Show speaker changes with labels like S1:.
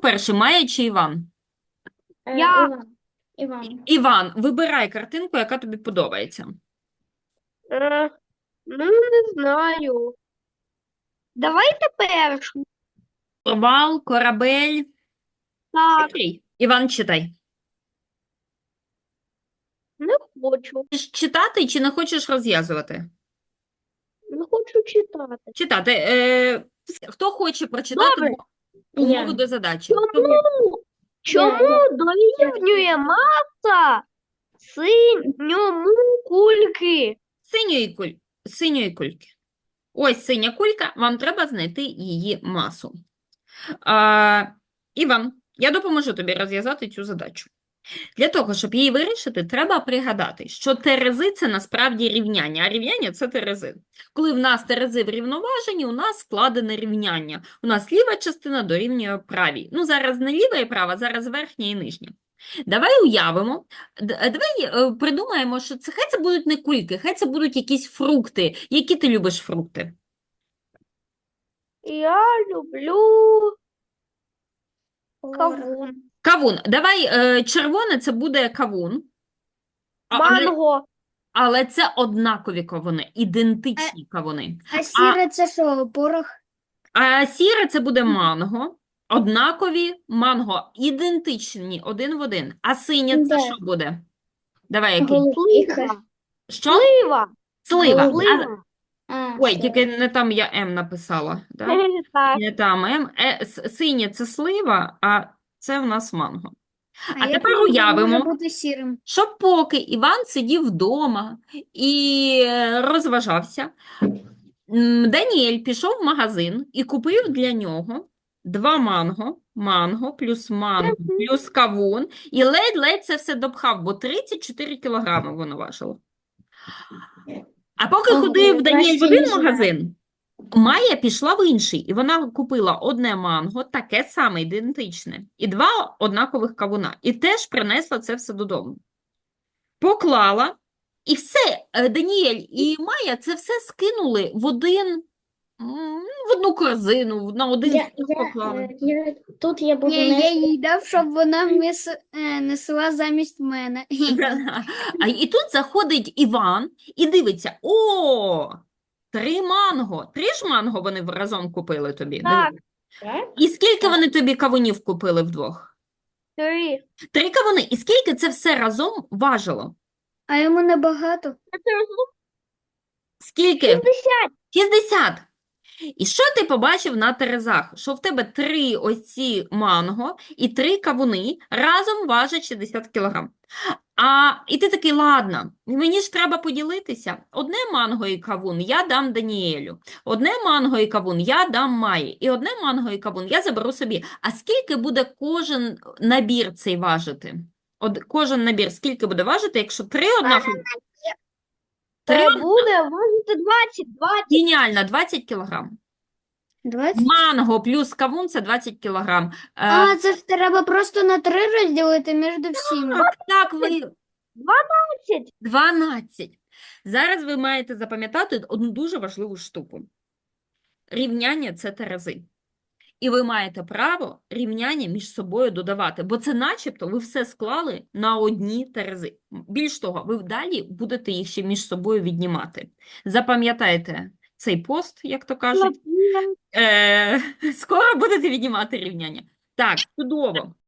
S1: перший, Майя чи Іван?
S2: Я.
S3: Іван.
S1: Іван, вибирай картинку, яка тобі подобається.
S2: Ну, не знаю. Давайте першу.
S1: Провал, корабель.
S2: Так,
S1: Який? Іван, читай.
S2: не хочу.
S1: Хочеш читати чи не хочеш розв'язувати?
S2: Не хочу читати.
S1: Читати. Хто хоче прочитати
S2: Добре.
S1: умову
S3: Я.
S1: до задачі?
S2: Чому дорівнює маса синьому кульки?
S1: Синьої кульки. Ось синя кулька, вам треба знайти її масу. Іван, я допоможу тобі розв'язати цю задачу. Для того, щоб її вирішити, треба пригадати, що терези – це насправді рівняння, а рівняння – це терези. Коли в нас терези врівноважені, у нас складене рівняння. У нас ліва частина дорівнює правій. Ну, зараз не ліва і права, зараз верхня і нижня. Давай уявимо, давай придумаємо, що хай це будуть не кульки, хай це будуть якісь фрукти. Які ти любиш фрукти?
S2: Я люблю кавун.
S1: Кавун. Давай, червоне – це буде кавун.
S2: Манго.
S1: Але це однакові кавуни, ідентичні кавуни.
S3: А сіре це що, порох?
S1: А сіре це буде манго, однакові манго, ідентичні один в один. А синє це
S3: Да.
S1: що буде? Давай, який?
S3: Голубіка.
S1: Що?
S2: Слива.
S1: Слива.
S2: Слива.
S1: Ой, тільки не там я М написала. Да?
S2: Так.
S1: Не там М. Синє це слива, а це в нас манго. А
S3: як
S1: тепер
S3: воно
S1: уявимо,
S3: може бути сірим?
S1: що поки Іван сидів вдома і розважався, Даніель пішов в магазин і купив для нього 2 манго плюс кавун, і ледь-ледь це все допхав, бо 34 кілограми воно важило. А поки
S3: Ого,
S1: ходив Даніель в один
S3: красиві
S1: магазин, Майя пішла в інший, і вона купила одне манго, таке саме, ідентичне, і 2 однакових кавуна, і теж принесла це все додому. Поклала, і все, Даніель і Майя це все скинули в одну корзину, на один стіл поклали.
S3: Тут я буду я їй дав, щоб вона несла замість мене.
S1: І тут заходить Іван і дивиться, 3 манго. 3 ж манго вони разом купили тобі.
S2: Так.
S1: І скільки вони тобі кавунів купили вдвох?
S2: 3.
S1: 3 кавуни. І скільки це все разом важило?
S3: А йому небагато.
S1: Скільки?
S2: 50.
S1: 60. І що ти побачив на терезах? Що в тебе 3 оці манго і 3 кавуни разом важать 60 кілограм. І ти такий, ладно, мені ж треба поділитися. Одне манго і кавун я дам Даніелю, одне манго і кавун я дам Майі, і одне манго і кавун я заберу собі. А скільки буде кожен набір цей важити? Кожен набір скільки буде важити, якщо 3 однакові?
S2: Буде важити 20.
S1: Геніально, 20 кілограм.
S3: 20?
S1: Манго плюс кавун – це 20 кілограм.
S3: А, це ж треба просто на 3 розділити між всіма.
S1: Так, ви
S2: 12.
S1: 12. Зараз ви маєте запам'ятати одну дуже важливу штуку. Рівняння – це терези. І ви маєте право рівняння між собою додавати, бо це начебто ви все склали на одні терези. Більш того, ви далі будете їх ще між собою віднімати. Запам'ятайте цей пост, як то кажуть. Скоро будете віднімати рівняння. Так, чудово.